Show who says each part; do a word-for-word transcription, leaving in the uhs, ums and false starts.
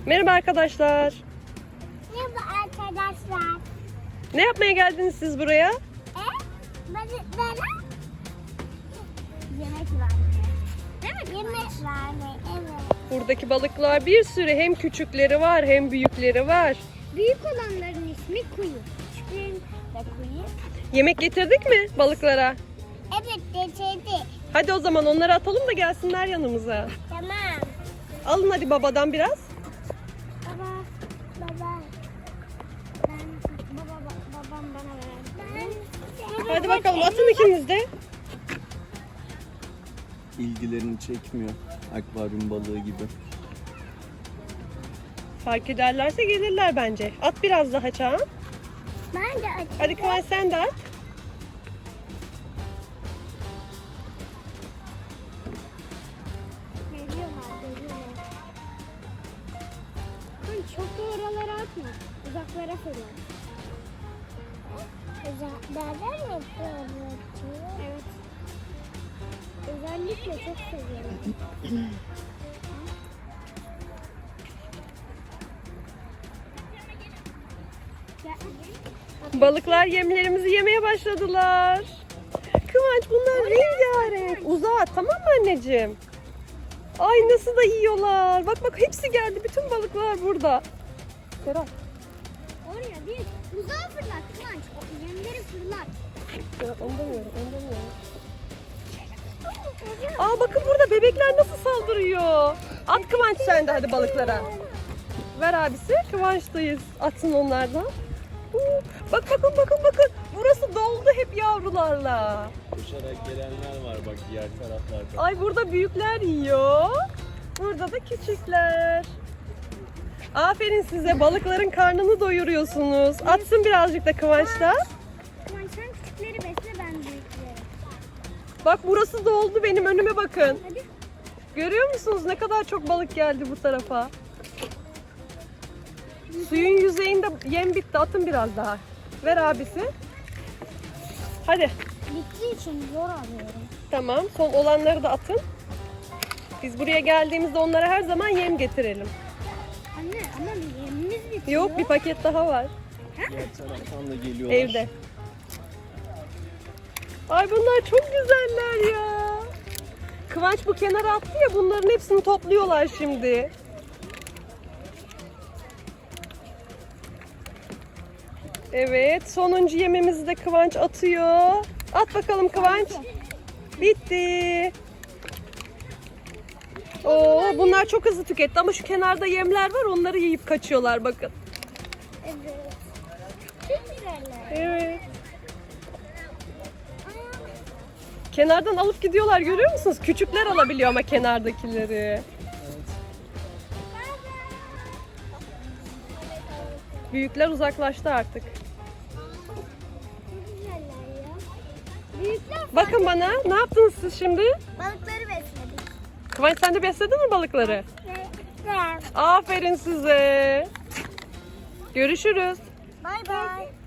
Speaker 1: Merhaba arkadaşlar.
Speaker 2: Merhaba arkadaşlar.
Speaker 1: Ne yapmaya geldiniz siz buraya?
Speaker 2: E? Balıklara yemek var. Evet, yemek var. Evet.
Speaker 1: Buradaki balıklar bir sürü, hem küçükleri var hem büyükleri var.
Speaker 2: Büyük olanların ismi kuyu. Küçüklerin de kuyu.
Speaker 1: Yemek getirdik mi balıklara?
Speaker 2: Evet, getirdi.
Speaker 1: Hadi o zaman onları atalım da gelsinler yanımıza.
Speaker 2: Tamam.
Speaker 1: Alın hadi babadan biraz.
Speaker 2: Baba, baba. Ben, baba, ba- babam bana ver. Ben,
Speaker 1: Hadi bakalım atın ikiniz de.
Speaker 3: İlgilerini çekmiyor. Akvaryum balığı gibi.
Speaker 1: Fark ederlerse gelirler bence. At biraz daha Çağan.
Speaker 2: Ben de açayım.
Speaker 1: Hadi Kıvanç sen de at.
Speaker 2: Geliyorlar, geliyorlar. Hani çok da oralara atma. Uzaklara fırla. Uzaklardan mı fırlatıyor? Evet. Özellikle çok seviyorum.
Speaker 1: Balıklar yemlerimizi yemeye başladılar. Kıvanç bunlar rengarenk. Uzağa at, tamam mı anneciğim? Ay nasıl da yiyorlar. Bak bak hepsi geldi. Bütün balıklar burada. Serap.
Speaker 2: Oraya değil. Uzağa fırlat Kıvanç. O yemleri fırlat.
Speaker 1: Serap onu demiyorum. Onu demiyorum. Aa bakın burada bebekler nasıl saldırıyor. At Kıvanç sen de hadi balıklara. Ver abisi. Kıvanç'tayız. Atsın onlardan. Huu, Bak bakın bakın bakın. Burası doldu hep yavrularla.
Speaker 3: Koşarak gelenler var bak diğer taraflarda.
Speaker 1: Ay burada büyükler yiyor. Burada da küçükler. Aferin size, balıkların karnını doyuruyorsunuz. Atsın birazcık da Kıvanç da.
Speaker 2: Kıvanç sen küçükleri besle, ben büyükleri.
Speaker 1: Bak burası doldu, benim önüme bakın.
Speaker 2: Hadi.
Speaker 1: Görüyor musunuz ne kadar çok balık geldi bu tarafa. Suyun yüzeyinde yem bitti, atın biraz daha. Ver abisi. Hadi.
Speaker 2: Bittiği için zor alıyorum.
Speaker 1: Tamam, son olanları da atın. Biz buraya geldiğimizde onlara her zaman yem getirelim.
Speaker 2: Anne ama yemimiz bitiyor.
Speaker 1: Yok, bir paket daha var.
Speaker 3: Diğer taraftan da geliyorlar.
Speaker 1: Evde. Ay bunlar çok güzeller ya. Kıvanç bu kenara attı ya, bunların hepsini topluyorlar şimdi. Evet, sonuncu yemimizi de Kıvanç atıyor. At bakalım Kıvanç. Bitti. Oo, bunlar çok hızlı tüketti ama şu kenarda yemler var, onları yiyip kaçıyorlar bakın.
Speaker 2: Evet. Çok güzeller.
Speaker 1: Evet. Kenardan alıp gidiyorlar, görüyor musunuz? Küçükler alabiliyor ama kenardakileri. Büyükler uzaklaştı artık.
Speaker 2: Çok güzeller ya. Büyükler
Speaker 1: Bakın bana, ne yaptınız siz şimdi?
Speaker 2: balıkları besledik.
Speaker 1: Kıvanç sen de besledin mi balıkları?
Speaker 2: Evet.
Speaker 1: Aferin size. Görüşürüz.
Speaker 2: Bay bay.